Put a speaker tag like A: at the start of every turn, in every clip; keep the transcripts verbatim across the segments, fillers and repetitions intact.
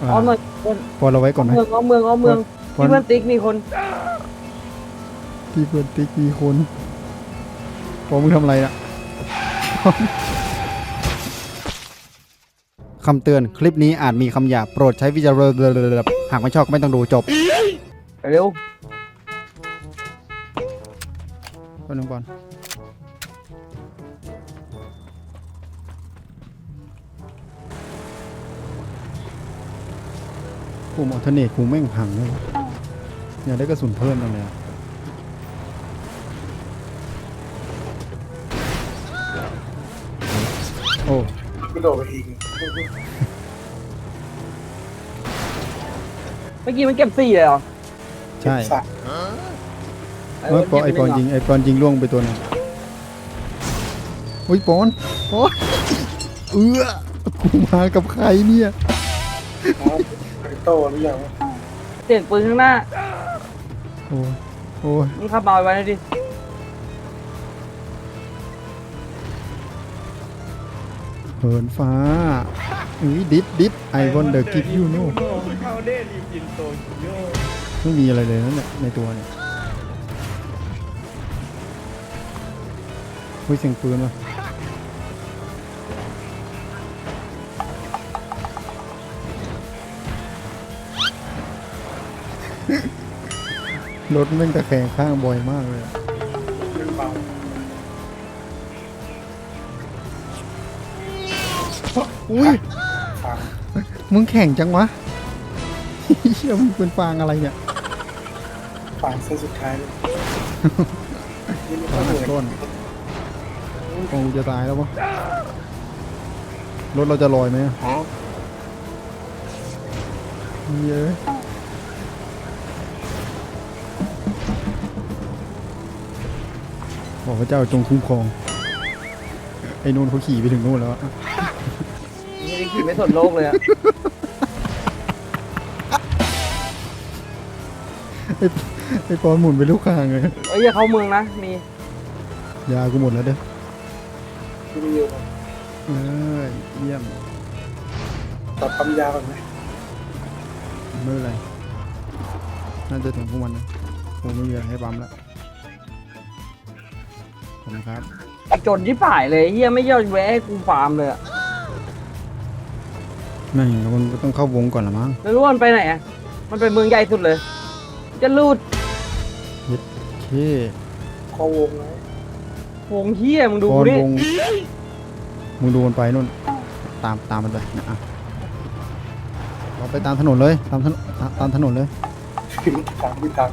A: อ้อมหน่อยคน
B: พอเราไว้ก่อนไหม
A: เมืองอ้อมเมืองอ้อมเมือง
B: พอ
A: ที่เพื่อนติ๊กมีคน
B: ที่เพื่อนติ๊กมีคนพอมึงทำอะไรอะ คำเตือนคลิปนี้อาจมีคำหยาบโปรดใช้วิจารณญาณหากไม่ชอบก็ไม่ต้องดูจบ
A: เร็ว
B: แป๊บนึงก่อนกูมอเทเนตกูแม่งพังเลยวะอยากได้กระสุนเพิ่มจังเลยอะโอ้
C: กระโดดไปอีก
A: เมื่อกี้มันเก็บสี่เลยเหรอ
B: ใช่
C: สัตว์
B: เมื่อปอไอปอนยิงไอปอนยิงล่วงไปตัวหนึงอุ้ยปอนปอนเอื้อกูมากับใครเนี่ย
C: ครับไอโต้หรือยัง
A: เสียงปืนข้างหน้า
B: โอ้ยโอ้ย
A: มึงขับมาไว้หน่อยดิ
B: เหินฟ้าอุ้ยดิดดิดไอวอนเดอร์กิฟยูโน่
D: เข้าเด้รีบินโตโย
B: ไม่มีอะไรเลยนั่นแหละในตัวเนี่ยอุ้ยเสียงปืนวะรถแม่งตะแคงข้างบ่อยมากเลยอะ
C: เรื่องเบา
B: อุ้ย
C: ฟัง
B: มึงแข่งจังวะ เชี่ยมึงเป็นฟางอะไรเนี่ย
C: ฟังเส้นสุดท้ายเลยนี่ไม่
B: ฟา
C: ต้อง
B: ง
C: เห
B: หั
C: นื่
B: ก
C: อย
B: ต้นคงจะตายแล้ววะรถเราจะลอยไหมอะเยอะบอกพระเจ้าจงคุ้มครองไอ้นู่นเขาขี่ไปถึงนู่นแล้วอะ
A: ไม่ได้ขี่ไม่สนโลกเลยอะ
B: ไอ้ไอ้ปอนหมุนไปลูกคางเลย
A: เอ้ยอย่าเข้าเมืองนะ มี
B: ยากูหมดแล้วเด้อ
C: ที่มีอยู่
B: เอ้ยเยี่ยม
C: ตัดปั๊มยาก่อนไหม
B: ไม่เป็นไรน่าจะถึงพวกมันนะผมไม่มีอะไรให้ปั๊มแล้วขอบคุณครับ
A: ไอ้จนที่ป่ายเลยเฮียไม่ยอมแวะให้กูฟาร์มเลยอะ
B: ไม่มันก็ต้องเข้าวงก่อนละมั้ง
A: แล้วรู้ว่ามันไปไหนอะมันไปเมืองใหญ่สุดเลย จะลูด
B: โอเค
C: คอวงไว้
A: วงเฮียมึงดู
B: ปอน
A: ดิ
B: วงมึงดูมันไปนู่นตามตามมันไปนะอ่ะเราไปตามถนนเลยตามถนนตามตามถนนเลย
C: ถึงทางที่ทาง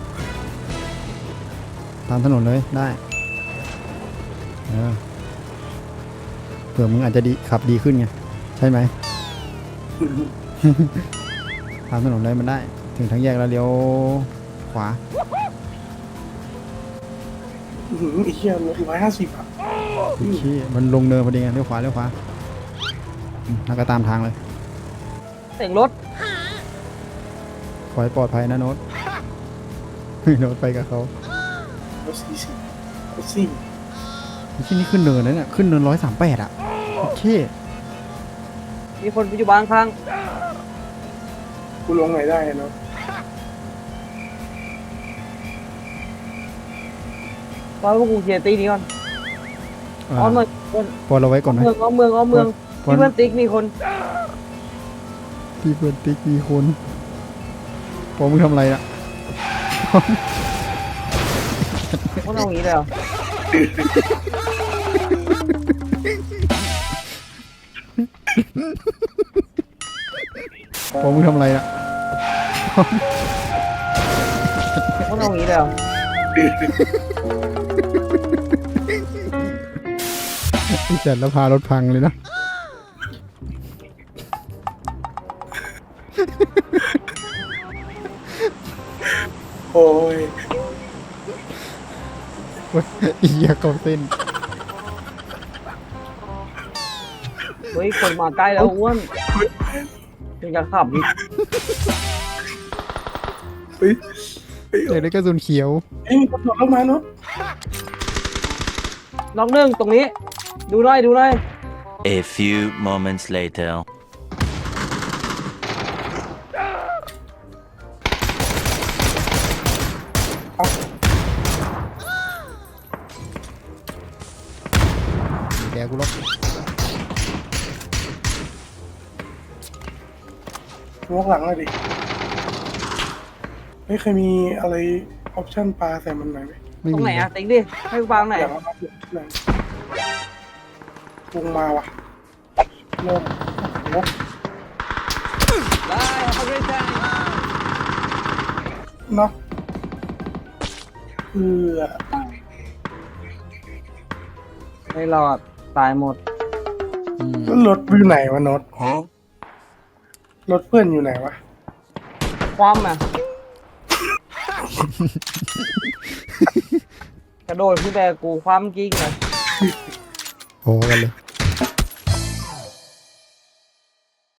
B: ตามถนนเลยได้เออเผื่อมึงอาจจะดีขับดีขึ้นไงใช่ไหม ตามถนนเลยมันได้ ถึงทางแยกแล้วเลี้ยวขวา
C: อื้อหือไอ้เหี้ยรถร้อยห้าสิบอ่ะ
B: โอเคมันลงเนินพอดีไงเลี้ยวขวาเลี้ยวขวาอืมแล้วก็ตามทางเลย
A: เสียงรถ
B: ขอให้ปลอดภัยนะโน้ต โน้ตไปกับเขา
C: รถสี่สิบรถซิ่ง
B: ที่นี่ขึ้นเนินนะเนี่ยขึ้นเนินร้อยสามแปดอ่ะโอเค
A: มีคนอยู่บ้านข้าง
C: กูลงไหนได้เนาะ
A: ว่าพวกกูเคลียร์ตีนี้ก่อน
B: อ่า
A: อ้อมหน่อยคน
B: พอเราไว้ก่อนไหม
A: เมืองอ้อมเมืองอ้อมเมือง
B: พอ
A: ที่เพื่อนติ๊กมีคน
B: ที่เพื่อนติ๊กมีคนพอมึงทำอะไรอ่ะ
A: พวกเราอย่างนี้เลยเหรอ
B: พอมึงทำอะไรอ่ะ
A: พวกเราอย่างนี้เลยเหรอ
B: ไอ้จัดแล้วพารถพังเลยนะ
C: โอ้ย
B: เว้ยอีเหี้ยเกาเส้น
A: เฮ้ยคนมาใกล้แล้วอ้วนยังจะขับอีก
C: เฮ้ยเฮ้ย
B: อยากได้กระสุนเขียว
C: เอ้ยมีคนโดดลงมาเนาะ
A: ล็อกหนึ่งตรงนี้ ดูหน่อยดูหน่อย
E: A few moments later.
B: อะกูหรอก
C: วกหลังเลยดิไม่เคยมีอะไรออปชั่นปลาใส่มันหน่อยไหม
B: ไม่
A: ตรง
B: มี
A: ไหนอะติ๊กดิให้กูวางไหน
C: อย่างว่าหนังวงมาว่ะเริ่มโอ้โห
A: ได้ครับพี่แจ๊ค
C: เนาะเออ
A: ไม่รอดตายหมด
B: อืม
C: แล้วรถอยู่ไหนวะโนตรถเพื่อนอยู่ไหนวะ
A: ความอ่ะ กระโดดขึ้นแต่กูความจริงเลย
B: โหกันเลย